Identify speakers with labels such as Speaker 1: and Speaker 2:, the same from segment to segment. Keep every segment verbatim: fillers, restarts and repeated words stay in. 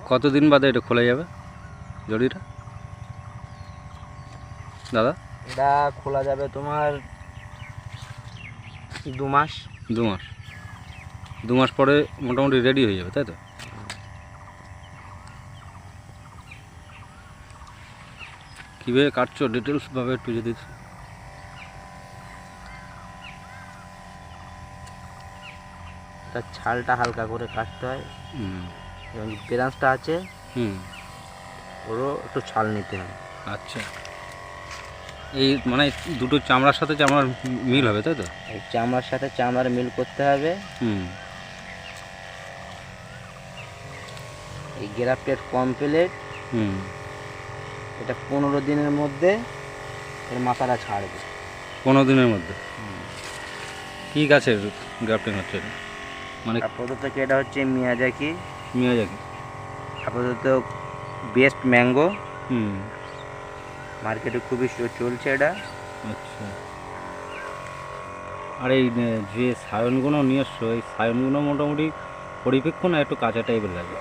Speaker 1: কতদিন বাদে এটা খোলা যাবে জড়িটা দাদা?
Speaker 2: এটা খোলা যাবে তোমার দু মাস
Speaker 1: দু মাস দু মাস পরে মোটামুটি রেডি হয়ে যাবে, তাই তো? কীভাবে কাটছো ডিটেলসভাবে একটু যদি।
Speaker 2: তার ছালটা হালকা করে কাটতে হয়
Speaker 1: হুম
Speaker 2: এবং ব্রাঞ্চটা আছে
Speaker 1: হুম
Speaker 2: ওরও একটু ছাল নিতে হয়।
Speaker 1: আচ্ছা, এই মানে দুটো চামড়ার সাথে চামড়ার মিল হবে, তাই তো?
Speaker 2: এই চামড়ার সাথে চামড়ার মিল করতে হবে।
Speaker 1: হুম
Speaker 2: এই গ্রাফটেড কমপ্লিট।
Speaker 1: হুম
Speaker 2: এটা পনেরো দিনের মধ্যে এর মাথাটা ছাড়বে।
Speaker 1: পনেরো দিনের মধ্যে? কী গাছের গ্রাফটিং হচ্ছে এটা? মানে
Speaker 2: আপাতত এটা হচ্ছে মিয়াজাকি।
Speaker 1: মিয়াজাকি
Speaker 2: আপাতত বেস্ট ম্যাঙ্গো
Speaker 1: হুম
Speaker 2: মার্কেটে খুবই চলছে এটা।
Speaker 1: আচ্ছা, আর এই যে সায়নগুলো নিয়ে এসছো, এই সায়নগুলো মোটামুটি পরিপেক্ষ না একটু কাঁচা টাইপের লাগে?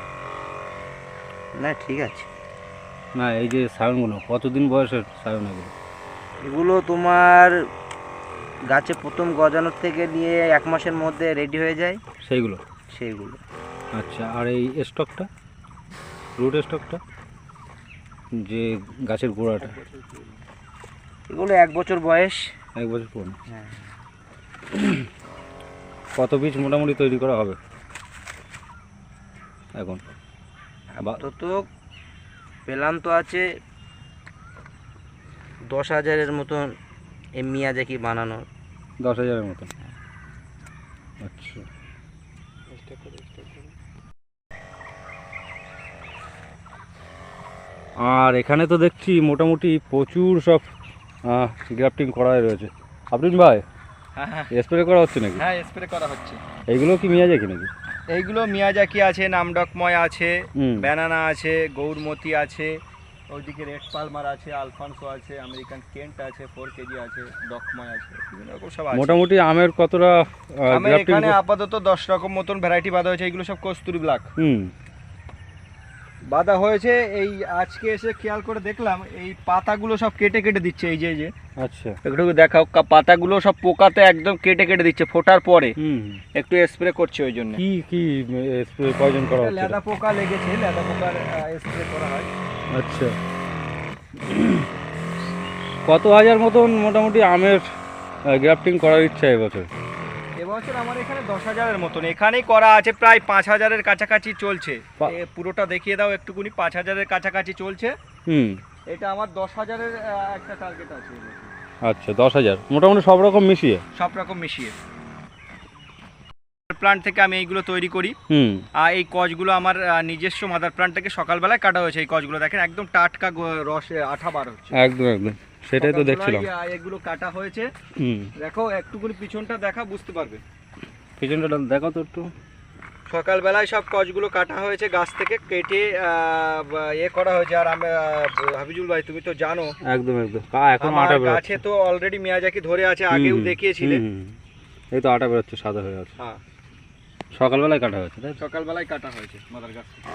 Speaker 2: না ঠিক আছে।
Speaker 1: না এই যে সায়নগুলো কতদিন বয়সের সায়ন এগুলো?
Speaker 2: এগুলো তোমার গাছে প্রথম গজানোর থেকে নিয়ে এক মাসের মধ্যে রেডি হয়ে যায়
Speaker 1: সেইগুলো?
Speaker 2: সেইগুলো।
Speaker 1: আচ্ছা, আর এই স্টকটা, রুট স্টকটা, যে গাছের গোড়াটা,
Speaker 2: এগুলো এক বছর বয়স।
Speaker 1: এক বছর পুরনো?
Speaker 2: হ্যাঁ।
Speaker 1: কত বীজ মোটামুটি তৈরি করা হবে এখন?
Speaker 2: আপাতত পেলাম তো আছে দশ হাজারের মতন এই মিয়াজাকি বানানো।
Speaker 1: দশ হাজারের মতন? আচ্ছা, আর এখানে তো দেখছি মোটামুটি প্রচুর সব গ্রাফটিং করাই রয়েছে। আফরিন ভাই,
Speaker 3: হ্যাঁ হ্যাঁ
Speaker 1: স্প্রে করা হচ্ছে নাকি?
Speaker 3: হ্যাঁ স্প্রে করা হচ্ছে।
Speaker 1: এইগুলো কি মিয়াজাকি নাকি?
Speaker 3: এইগুলো মিয়াজাকি আছে, নামডকময় আছে,
Speaker 1: হুম
Speaker 3: ব্যানানা আছে, গৌরমতি আছে, ওইদিকে রেড পালমার আছে, আলফানসো আছে, আমেরিকান কেন্ট আছে, ফোর কেজি আছে, ডকময় আছে, বিভিন্ন রকম সব আছে।
Speaker 1: মোটামুটি আমের কতটা
Speaker 3: আমি
Speaker 1: গ্রাফটিং?
Speaker 3: এখানে আপাতত দশ রকম মতন ভ্যারাইটি বাঁধা হয়েছে। এগুলো সব কস্তুরি ব্ল্যাক
Speaker 1: হুম
Speaker 3: বাঁধা হয়েছে। এই আজকে এসে খেয়াল করে দেখলাম এই পাতাগুলো সব কেটে কেটে দিচ্ছে। এই যে এই যে
Speaker 1: আচ্ছা,
Speaker 3: একটু দেখাও, কা- পাতাগুলো সব পোকাতে একদম কেটে কেটে দিচ্ছে ফোটার পরে।
Speaker 1: হুম
Speaker 3: একটু স্প্রে করছে ওই জন্য।
Speaker 1: কি কি স্প্রে প্রয়োজন করা হচ্ছে?
Speaker 3: লেদা পোকা লেগেছে, লেদা পোকার স্প্রে করা হয়।
Speaker 1: আচ্ছা, কত হাজার মতন মোটামুটি আমের গ্রাফটিং করার ইচ্ছা এবছর?
Speaker 3: এবছর আমার এখানে দশ হাজারের মতন এখানেই করা আছে, প্রায় পাঁচ হাজারের কাছাকাছি চলছে।
Speaker 1: পা-
Speaker 3: এ পুরোটা দেখিয়ে দাও একটুকুনি। পাঁচ হাজারের কাছাকাছি চলছে।
Speaker 1: হুম
Speaker 3: এটা আমার দশ হাজারের একটা টার্গেট আছে এবছর।
Speaker 1: আচ্ছা, দশ হাজার মোটামুটি সব রকম মিশিয়ে?
Speaker 3: সব রকম মিশিয়ে প্লান্ট থেকে আমি এইগুলো তৈরি করি।
Speaker 1: হুম
Speaker 3: আর এই কচগুলো আমার আহ, নিজস্ব মাদার প্লান্ট থেকে সকালবেলায় কাটা হয়েছে। এই কচগুলো দেখেন একদম টাটকা গ- রসে আঠা বার হচ্ছে।
Speaker 1: একদম একদম, সেটাই তো দেখছিলাম।
Speaker 3: সকালবেলায়, আহ, এগুলো কাটা হয়েছে।
Speaker 1: হুম
Speaker 3: দেখো একটুকুনি পিছনটা দেখা, বুঝতে পারবে।
Speaker 1: পিছনটা দেখো তো একটু।
Speaker 3: সকালবেলায় সব কচগুলো কাটা হয়েছে, গাছ থেকে কেটে আহ, বা- ইয়ে করা হয়েছে। আর আমি আহ, হাবিজুল ভাই তুমি তো জানো
Speaker 1: একদম একদম, কা এখন
Speaker 3: আমার
Speaker 1: আটা
Speaker 3: গাছে
Speaker 1: বেরোচ্ছে।
Speaker 3: তো অলরেডি মিয়াজাকি ধরে আছে, আগেও দেখিয়েছিলে।
Speaker 1: হুম, হুম, এই তো আটা বেরোচ্ছে, সাদা হয়ে আছে।
Speaker 3: হ্যাঁ,
Speaker 1: সকালবেলায় কাটা হয়েছে, তাই তো?
Speaker 3: সকালবেলায় কাটা হয়েছে মাদার গাছ থেকে।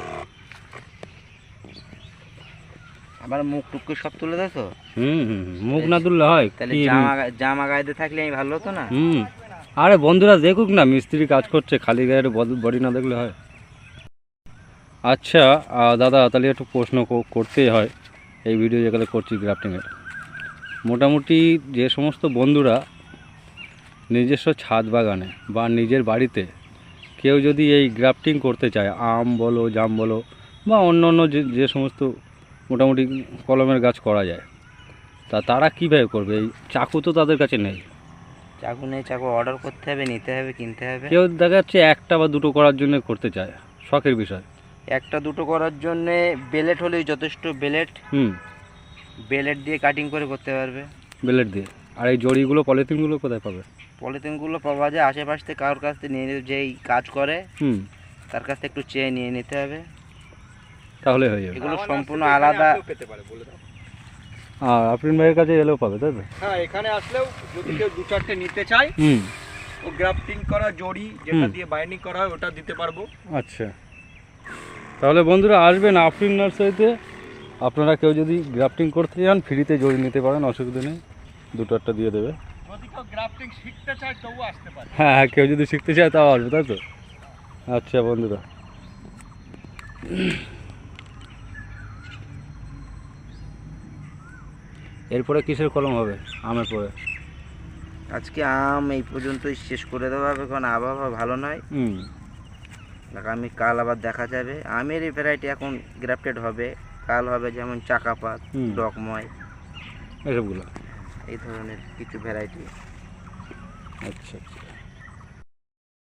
Speaker 2: আবার মুখ টুক করে সব তুলে দাও তো।
Speaker 1: হুম হুম হুম, মুখ না তুললে হয়
Speaker 2: তাহলে
Speaker 1: কি?
Speaker 2: জামা জামা গায়েতে থাকলে আমি ভালো হতো না।
Speaker 1: হুম, আরে বন্ধুরা দেখুক না, মিস্ত্রি কাজ করছে, খালি গায়ের বডি না দেখলে হয়? আচ্ছা আহ, দাদা তাহলে একটু প্রশ্ন কো- করতেই হয় এই ভিডিও যেগুলো করছি গ্রাফটিংয়ের। মোটামুটি যে সমস্ত বন্ধুরা নিজস্ব ছাদ বাগানে বা নিজের বাড়িতে কেউ যদি এই গ্রাফটিং করতে চায়, আম বলো, জাম বলো, বা অন্য অন্য যে যে সমস্ত মোটামুটি কলমের গাছ করা যায়, তা তারা কীভাবে করবে? এই চাকু তো তাদের কাছে নেই।
Speaker 2: চাকু নেই, চাকু অর্ডার করতে হবে, নিতে হবে, কিনতে হবে।
Speaker 1: কেউ দেখা যাচ্ছে একটা বা দুটো করার জন্য করতে চায়, শখের বিষয়।
Speaker 2: একটা দুটো করার জন্য বেলেট হলেই যথেষ্ট। বেলেট
Speaker 1: হুম
Speaker 2: বেলেট দিয়ে কাটিং করে করতে পারবে।
Speaker 1: বেলেট দিয়ে। আর এই জড়িগুলো, পলিথিনগুলো কোথায় পাবে?
Speaker 2: পলিথিনগুলো পাওয়া যায় আশেপাশ থেকে, কারোর কাছ থেকে নিয়ে নিতে, যেই কাজ করে
Speaker 1: হুম
Speaker 2: তার কাছ থেকে একটু চেয়ে নিয়ে নিতে হবে।
Speaker 1: তাহলে হয়ে যাবে।
Speaker 2: এগুলো
Speaker 3: আমার
Speaker 2: সম্পূর্ণ
Speaker 3: নার্সারি এখানে
Speaker 2: আলাদা।
Speaker 3: আসলেও পেতে পারে, বলে দাও।
Speaker 1: আর আফরিন ভাইয়ের কাছে এলেও পাবে, তাই তো?
Speaker 3: হ্যাঁ, এখানে আসলেও যদি কেউ দু চারটে নিতে চায়,
Speaker 1: হুম
Speaker 3: ও গ্রাফটিং করা জড়ি যেটা
Speaker 1: হুম।
Speaker 3: দিয়ে বাইন্ডিং করা হয় ওটা দিতে পারবো।
Speaker 1: আচ্ছা, তাহলে বন্ধুরা আসবেন আফরিন নার্সারিতে, আপনারা কেউ যদি গ্রাফটিং করতে চান ফ্রিতে জড়ি নিতে পারেন, অসুবিধা নেই, দুটো একটা দিয়ে দেবে।
Speaker 3: যদি কেউ গ্রাফটিং শিখতে চায় তবু আসতে পারে।
Speaker 1: হ্যাঁ হ্যাঁ, কেউ যদি শিখতে চায় তাও আসবে, তাই তো? আচ্ছা বন্ধুরা, এরপরে কিসের কলম হবে আমের পরে?
Speaker 2: আজকে আম এই পর্যন্তই শেষ করে দেওয়া হবে, কারণ আবহাওয়া ভালো নয়।
Speaker 1: হুম।
Speaker 2: আগামী কাল আবার দেখা যাবে। আমের এই ভ্যারাইটি এখন গ্রাফটেড হবে, কাল হবে যেমন চাকাপাত,
Speaker 1: হুম।
Speaker 2: ডকময়,
Speaker 1: এসবগুলো।
Speaker 2: এই ধরনের কিছু ভ্যারাইটি।
Speaker 1: আচ্ছা আচ্ছা।